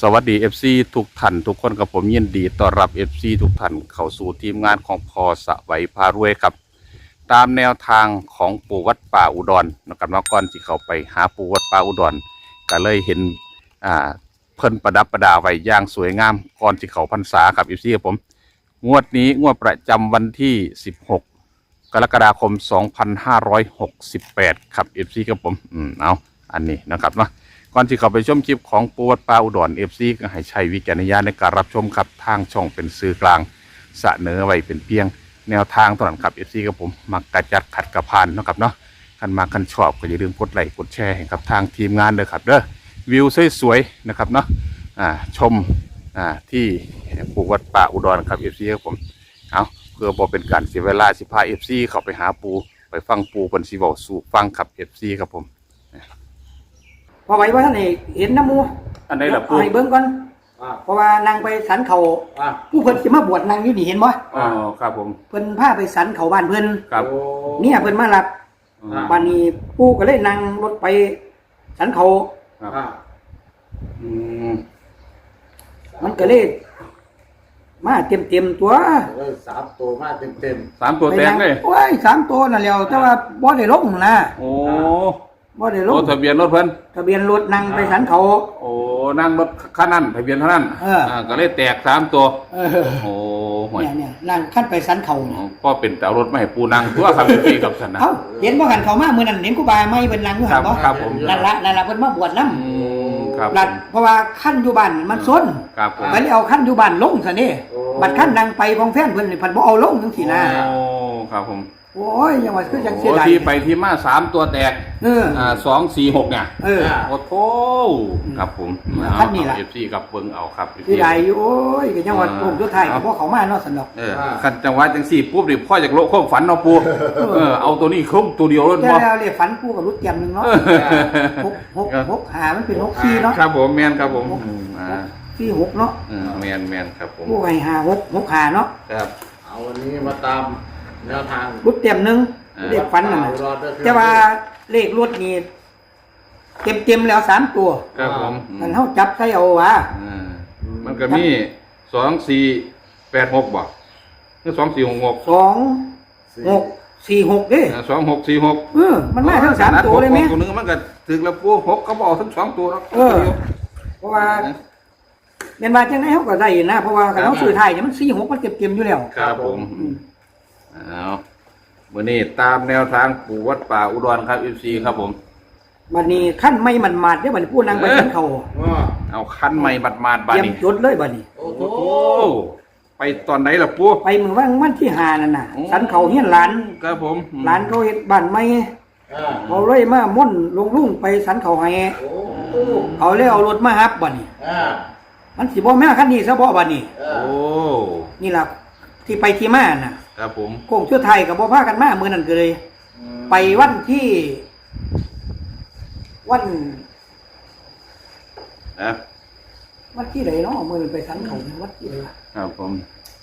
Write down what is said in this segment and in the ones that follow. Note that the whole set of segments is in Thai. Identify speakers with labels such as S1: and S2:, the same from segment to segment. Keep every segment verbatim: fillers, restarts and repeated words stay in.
S1: สวัสดี เอฟ ซี ทุกท่านทุกคนกับผมยินดีต้อนรับ เอฟ ซี ทุกท่านเข้าสู่ทีมงานของพอสวัยพารวยครับตามแนวทางของปู่วัดป่าอุดรนะครับเมื่อก่อนที่เขาไปหาปู่วัดป่าอุดรก็เลยเห็นอ่าเพิ่นประดับประดาไว้อย่างสวยงามก่อนที่เขาพรรษาครับ เอฟ ซี ครับผมงวดนี้งวดประจำวันที่สิบหกกรกฎาคมสองพันห้าร้อยหกสิบแปดครับ เอฟ ซี ครับผมอืมเอาอันนี้นะครับเนาะก่อนที่เขาไปชมคลิปของปูวัดป่าอุดร เอฟ ซี ก็ให้ใช้วิจารณญาณในการรับชมครับทางช่องเป็นสื่อกลางเสนอไว้เป็นเพียงแนวทางเท่านั้นครับ เอฟ ซี กับผมมักกระจัดขัดกระพานนะครับเนาะคันมาคันชอบก็อย่าลืมกดไลค์กดแชร์ให้ครับทางทีมงานเลยครับเด้อวิวสวยๆนะครับเนาะอ่าชมอ่าที่ปูวัดป่าอุดรครับ เอฟ ซี กับผมเอาเพื่อบ่เป็นการเสียเวลาสิพา เอฟ ซี เข้าไปหาปูไปฟังปูเพิ่นสิเว้าสู่ฟังครับ เอฟ ซี ครับผม
S2: พอไหวว่าท่านเห็นน้ำมู
S1: อันไหนล่ะปู
S2: ให้เบิ้งก่อนเพราะว่านางไปสันเขาผู้เพิ่นสิมาบวชนางอยู่นี่เห็นบ่
S1: อ๋อครับผม
S2: เพิ่นพาไปสันเขาบ้านเพิ่น
S1: ครับ
S2: เนี่ยเพิ่นมารับบ้านนี้ปู่ก็เลยนั่งรถไปสันเขา
S1: อืม
S2: มันก็เลยมาเต็มเต็มตัว
S3: สามตัวมาเต็มเต็ม
S1: สามตัวแตงเลย
S2: โอ้ยสามตัวนั่นแล้วแต่ว่าบ่ได้ลงนะ
S1: โอ้
S2: บ่ได้ลง
S1: ทะเบียนรถเพิ่น
S2: ทะเบียนรถนั่งไปสันเขา
S1: โอ้นั่งรถคันนั้นทะเบียนเท่านั้นอ่าก็เลยแตกสามตัวโอ้
S2: ห่วยเนี่ยนั่งขั้นไปสันเขา
S1: ก็เป็นแต่รถไม่ให้ปูนั่งตัวครับพี่กับสันนะ
S2: เอ้าเห็นบ่กันเขามามื้อนั้นเห็นครูบาไม่เพิ่นนั่งอยู่หั่นบ่
S1: ครับผม
S2: นั่นละนั่นละเพิ่นมาบวชนำ
S1: อืมครับ
S2: เพราะว่าขั้นอยู่บ้านมันซน
S1: ครับผม
S2: ไปเอาขั้นอยู่บ้านลงซะนี่บัดขั้นนั่งไปของแฟนเพิ่นนี่เพิ่นบ่เอาลงจังซี่นะ
S1: โอ้ครับผม
S2: โอ้ยยังว่าคือจังเสียดาย
S1: ที่ไปที่มาสามตัวแตก
S2: เออ
S1: อ่าสอง สี่ หกเนี่ย
S2: เออ
S1: โอ้โธ่ครับผม
S2: ขั้นนี้ล่ะ
S1: เอฟ ซี กับเบิ่งเอาครับ
S2: เสียดายอยู่โอ้ยก็ยังว่าโอ้สุดท้ายก็บ่เข้ามาเนาะซั่นดอก
S1: เออคันจังหวะจังซี่ปุ๊บนี่พ่ออยากโลความฝันเนาะปู่เออเอาตัวนี้ครบตัวเดียวเลย
S2: บ่แล้วเลยฝันปู่กับรุดเตรียมนึงเนาะหก หก หก ห้ามันเป็นหก สี่เนาะ
S1: ครับผมแม่นครับผม
S2: อ่าสี่ หกเนาะ
S1: อืมแม่นแม่นครับผม
S2: ปู่ให้ห้า หก หก ห้าเนาะ
S1: ครับ
S3: เอาวันนี้มาตามแนวทาง
S2: รุดเตรียมนึงเลขฝันนั่นแต่ว่าเลขรถนี่เต็มๆแล้วสามตัว
S1: ครับผม
S2: มันเฮาจับใส่เอาว่า
S1: มันก็มีสอง สี่ แปด หกบ่คือสอง สี่ หก หก
S2: สอง หก สี่ หกเด้
S1: สอง หก สี่ หก
S2: เออมันมาทั้งสามตัวเลยมั้ย
S1: ตัวนึงมันก็ถึงแล้วปู่หกก็บ่เอาทั้งสองตัวแล้ว
S2: เออเพราะว่าแม่นว่าจังได๋เฮาก็ได้นะเพราะว่าคันเฮาซื้อไทยเนี่ยมันสี่ หกมันเต็มๆอยู่แล้ว
S1: ครับผมเอาวันนี้ตามแนวทางปู่วัดป่าอุดรครับ เอฟ ซี ครับผม
S2: บัดนี้ขั้นไม่มันมาดเด้อบัดนี้ผู้นางไปสันเขา
S1: เอาขั้นไม่มันมาดบัดนี้
S2: เตรียมจุดเลยบัดนี้
S1: โอ้โหไปตอนไหนล่ะปู่
S2: ไปมื้อวันวันที่ห้านั่นน่ะสันเขาเฮียนหลาน
S1: ครับผม
S2: หลานเขาเฮ็ดบ้านใหม่เขาเลยมาม่อนลงลุงไปสันเขาให้เขาเลยเอารถมาฮับบัดนี้มันสิบ่แม่คันนี้ซะบ่บัดนี้
S1: โอ้
S2: นี่ล่ะที่ไปที่มาน่ะ
S1: ครับผม
S2: โค้งชั่วไทยกับบ่พากันมามื้อนั้นก็เลยไปวันที่วัน
S1: นะ
S2: วันที่ไหนเนาะมื้อนั้นไปสันเขาวัดที่ไหนล่ะ
S1: ครับผม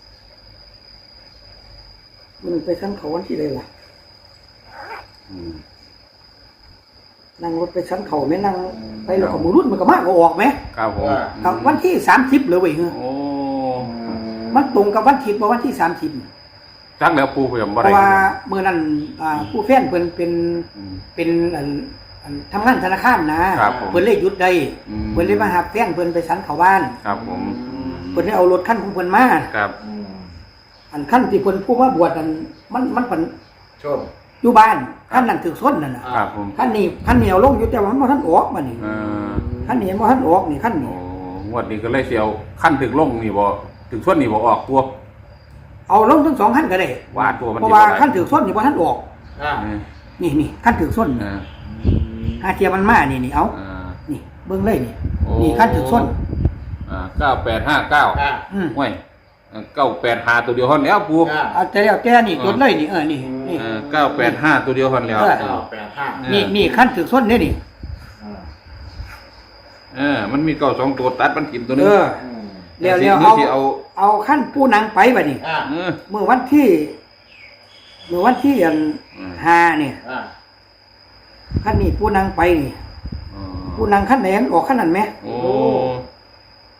S2: มื้อนั้นไปสันเขาวันที่ไหนล่ะอืมนั่งรถไปสันเขาแม่นั่งไปแล้วก็หมู่รุ่นมันก็มาก็ออกมั้ย
S1: ครับผม
S2: กับวันที่สามสิบเลยเว้ย
S1: โอ้
S2: มันตรงกับวันที่บ่วันที่สามสิบ
S1: จักแล้วปู่เพิ่นบ่ได้
S2: เพราะว่ามื้อนั้นอ่าผู้แฟนเพิ่นเป็นเป็นอันอันทำงานธนาคารนะเพิ่นเลยหยุดได้เพิ่นเลยมาหาแฟนเพิ่นไปสันเข้าบ้าน
S1: ครับผม
S2: เพิ่นได้เอารถคันของเพิ่นมา
S1: ครับ
S2: อันคันที่เพิ่นผู้มาบวชอันมันมันเพิ่น
S3: ชน
S2: อยู่บ้านคันนั้นถึกซ้นนั่นน่ะ
S1: ครับผม
S2: คันนี้คันเหนียวลงอยู่แต่ว่ามันบ่ทันออกบัดนี้เออคันนี้บ่ทันออกนี่คันนี้
S1: โอ้งวดนี้ก็เลยสิเอาคันถึกลงนี่บ่ถึกซ้นนี่บ่ออกตัว
S2: เอาลงทั้งสองขั้นก็ได้
S1: ว่าตัวมัน
S2: เพราะว่าขั้นถือส้นนี่พอท่านออกนี่นี่ขั้นถือส้นหาเทียมันมานี่นี่เอานี่เบิ้งเลยนี่นี่ขั้นถือส้น
S1: เก้าแปดห้าเก้าห้วยเก้าแปดห้าตัวเดียวฮอนแล้วปู
S2: เอาแต่แล้วแต่นี่จดเลยนี่เออนี่นี่
S1: เก้าแปดห้าตัวเดียวฮอนแล้ว
S3: เก้าแปดห้า
S2: นี่นี่ขั้นถือส้นเนี่ยนี่
S1: เออมันมีเก้าสองตัวตัดมันถิ่มตัวนึง
S2: เดี๋ยวเดี๋ยวเอาเอาขั้นผู้นางไปบัดนี้เมื่อวันที่เมื่อวันที่อันห้าเนี่ยขั้นนี้ผู้นางไปนี่ผู้นางขั้นไหนออกขั้นนั้นไหม
S1: โอ้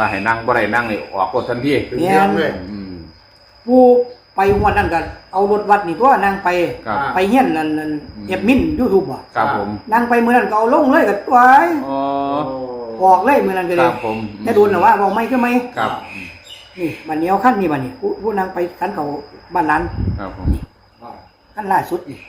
S1: ว่าให้นั่งบ่ได้นั่งนี่ออกกดทันที
S3: ถึงเรื่องเลย
S1: อืม
S2: ผู้ไปงวดนั้นก็เอารถวัดนี่ตัวนั่งไป
S1: ครับ
S2: ไปเฮียนนั่นนั่นเก็บมิน YouTube บ่
S1: ครับผม
S2: นั่งไปมื้อนั้นก็เอาลงเลยก็ไว้
S1: อ๋อ
S2: ออกเลยมื้อนั้นก็
S1: ค
S2: เล
S1: รั
S2: ย
S1: บผม
S2: แต่โดนน่ะว่าบ่ไม่คือไม่
S1: ครับ
S2: นี่บัดนี้เอาคันนี้บัดนี้ผู้ผู้นั่งไปคันเขาบ้านหลาน
S1: ครับผม
S2: คันล่าสุดนี่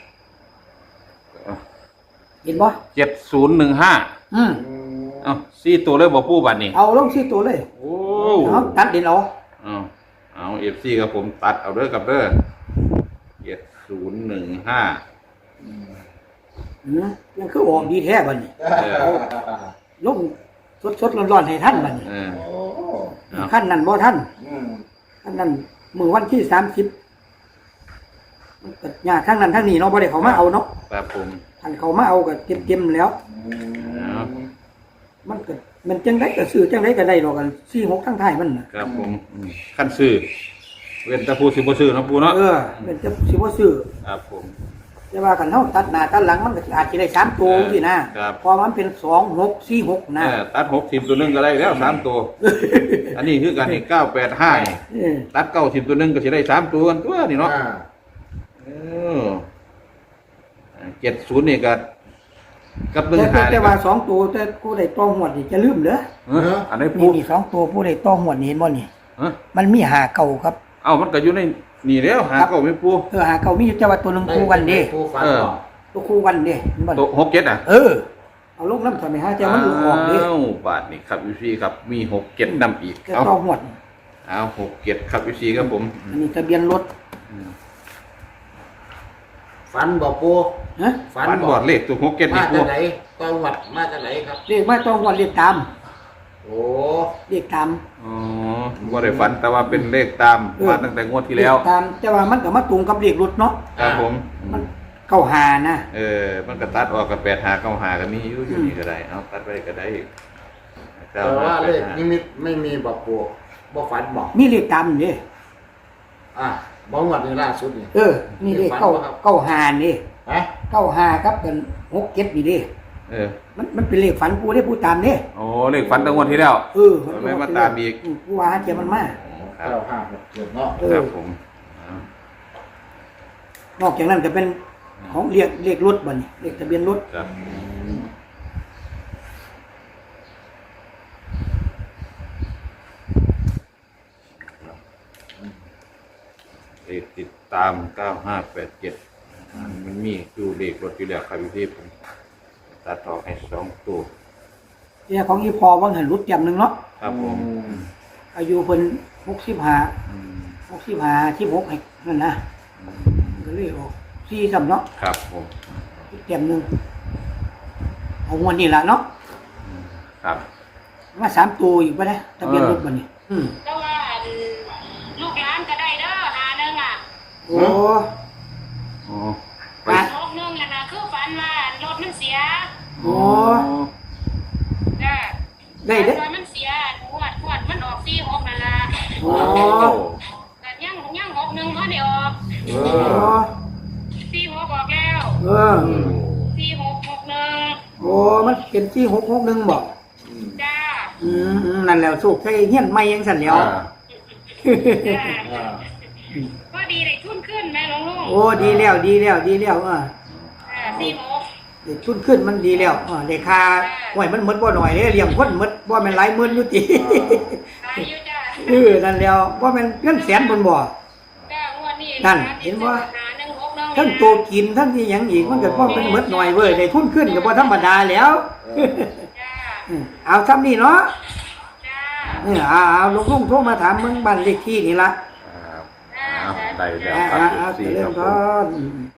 S2: เห็นบ่
S1: เจ็ดศูนย์หนึ่งห้า
S2: อืม
S1: เอ้าสี่ตัวเลยบ่ปูบัดนี้
S2: เอาลงสี่ตัวเลย
S1: โอ้
S2: เอาตัดเด่นเอา
S1: เอาเอาเอฟซีกับผมตัดเอาเด้อกับเด้อเจ็ดศูนย์หนึ่งห้า
S2: อืมยังคือออกดีแท้บัดนี้
S1: เออ
S2: ลงสดๆร้อนๆให้ท่านบัดนี้
S1: เออ
S3: โอ้
S1: เอา
S2: ขั้นนั้นบ่ท่าน
S3: อืม
S2: ขั้นนั้นมื้อวันที่สามสิบมันก็ยากทั้งนั้นทั้งนี้เนาะบ่ได้เขามาเอาเนาะ
S1: ครับผม
S2: อันเขามาเอาก็เต็มๆแล้ว
S1: เอา
S2: มันก็มันจังไดก็ซื้อจังไดก็ได้ดอกกันสี่หกทั้งท้ายมันน่ะ
S1: ครับผมอืมขั้นซื้อเว้นแตะปูสิบ่ซื้อเนาะปูเนาะ
S2: เออมันจะสิบ่ซื้อ
S1: ครับผม
S2: แต่ว่ากันเฮาตัดหน้าตัดหลังมันก็อาจสิได้สามตัว
S1: เออ
S2: สินะครับ พอมันเป็นสองหกสี่หก
S1: เอ
S2: นะ
S1: อตัดหกทีมตัวหนึงก็ได้แล้วสามตัว อันนี้คือกันนี่เก้าแปดห้านี่
S2: เออ
S1: ตัดเก้าทีมตัวหนึงก็สิได้สามตัวกันตัวนี่เนาะ
S3: อ่า
S1: เออเจ็ดศูนย์นี่ก็กับหนึ่ง
S2: แต่
S1: หา
S2: แต่ว่าสองตัวแต่ผู้ใดต้องหวดนี่จะลืมเหรอ
S1: เอออันนี้
S2: นี่
S1: ปู
S2: นี่สองตัวผู้ใดต้องหวดนี่เห็นบ่นี่
S1: เออ
S2: มันมีหาเก่าครับ
S1: เอ้ามันก็อยู่ในนี่แล้วหาเก้าไม่ปู
S2: เออหาเก่ามีอยู่แต่ว่าตัวหนึงคู่กันเด้
S3: ผู้ฟัน
S1: เออ
S3: บอก
S2: ตัวคู่กันเด้เห็นบ่
S1: ตัวหกเจ็ดอ่ะ
S2: เออ เอาลงน้ำทำไมฮะแต่มันออกเด้
S1: อ้าวบาทนี่ครับวิซีครับมีหกเจ็ดนำอีก
S2: แต่
S1: เอา
S2: ต้องหวด
S1: เอาหกเจ็ดครับวิซีครับผม
S2: อันนี้ทะเบียนรถ
S3: ฟันบอกปู
S2: ฮะ
S3: ฟัน
S1: ฝัน
S3: บบ อ
S1: อก ดเลขตัวหกเจ็ด
S3: มา
S1: นี่ปู
S3: จากไหนตองวัดมาจากไหนครับ
S2: เรียกว่าต้องหวดเรียกตาม
S3: โอ้
S2: เรียกตาม
S1: อ๋อว่าได้ฝันแต่ว่าเป็นเลขตาม
S2: เออ
S1: มาตั้งแต่งวดที่แล้ว
S2: เรียกตามแต่ว่ามันก็มาตรงกับเรียกรถเนาะ
S1: ครับผม
S2: มันเข้าหานะ
S1: เออมันก็ตัดออกกับแปดหาเก้าหากันมีอยู่อยู่นี่ก็ได้เอาตัดไปก็ได้
S3: แต่ว่าเลขนิมิตไม่มีบอกปูบอกฝันบอก
S2: มีเรียกตามนี่
S3: อ่ะบอกวัดนี่ล่าสุดนี่
S2: เออ นี่เรียกเข้าเข้าหานี่
S3: ฮะ
S2: เข้าหาครับกันหกเจ็ดนี่เด้
S1: เออ
S2: มันมันเป็นเลขฝันกูได้พูดตามนี่
S1: โอ้เลขฝันตั้งงวดที่แล้ว
S2: เออ
S1: ไม่มาตามอีก
S2: กูว่าเจ้ามันมา
S1: ครั
S3: เก้า
S1: บ
S3: ห้าหกเจ็ดเนาะ
S2: เอ
S1: ค
S2: อ
S1: รับผมเอา
S2: นอกจากนั้นก็เป็นของเรียกเรียกรถบ่นี่เรียกทะเบียนรถ
S1: ครับเลขติดตามเก้าห้าแปดเจ็ดมันมีอยู่เลขรถอยู่แล้วครับพี่ผมตัดออกให้สองตัว
S2: เนี่ยของอีพอว่างหันรุดจำหนึ่งเนาะ
S1: ครับผม
S2: อายุเพิ่นหกสิบห้า
S1: อืม
S2: หกสิบห้าสิบหกให้นั่นนะก็เลยออกสี่สำเนาะ
S1: ครับผม
S2: อีกแต้มหนึ่งเอางวดนี้ละเนาะ
S1: ครับ
S2: มาสามตัวอีกปะเนี่ยทะเบียนรถบ่นี่อืม
S4: แต่ว่าอันลูกหลานก็ได้เด้อหาหนึงอ่ะ
S2: โอ้
S1: โอ้
S2: ไป
S4: โลกหนึงน่ะนะคือฝันว่ารถมันเสีย
S2: โอ้
S4: จ้ะ
S2: ได้เด้อ
S4: รถมันเสียหวดหวดมันออกสี่หกนั่นล่ะ
S2: โอ้
S4: แต่ยังยังหกหนึ่งเขาได้ออก
S3: เอ
S2: โอ้
S3: อ
S4: สี่หกออกแล้ว
S2: เออ
S4: สี่หกหกหนึ่ง
S2: โอ้มันเป็นที่หกหกหนึ่งบอก
S4: จ้า
S2: อืมอืมนั่นแหล้วสุกใช่เฮี้ยนไม่ยังสั่นแล้ว
S1: อ่า
S4: จ้า
S3: อ่า
S4: ก็ดีได้ทุนขึ้นแม่หลวงลุง
S2: โอ้ดีแล้วดีแล้วดีแล้วอ่ะ
S4: อ่าสี่หก
S2: เด็กทุนขึ้นมันดีแล้วอ่ะเด็กคาห่วยมันหมดบ่หน่อยเด้เลี้ยงคนหมดบ่แม่นหลายหมื่นอยู่ติ
S4: ตายอยู่จ้า
S2: เออนั่นแล้วบ่แม่นเงินแสนบนบ่
S4: จ้างวดนี้
S2: นั่นเห็นบ่
S4: หาหนึ่งหกหนึ่ง
S2: ทั้งตัวกินทั้งที่หยังอีกมันก็บ่เป็นหมดหน่อยเว้ยได้ทุนขึ้นก็บ่ธรรมดาแล้ว
S4: จ้า
S2: อืมเอาซ้ำนี่เนาะ
S4: จ้า
S2: เออเอาเอาลุงๆโทรมาถามมึงบ้านเลขที่นี่ล่ะ
S1: ครับ
S4: จ้า
S1: เอาได้แล้ว
S2: อ่า
S1: ครับ
S2: อ่าเอา
S1: สี่
S2: เริ่
S1: ครั
S2: ม
S1: บผ
S2: ก่อ
S1: ม
S2: น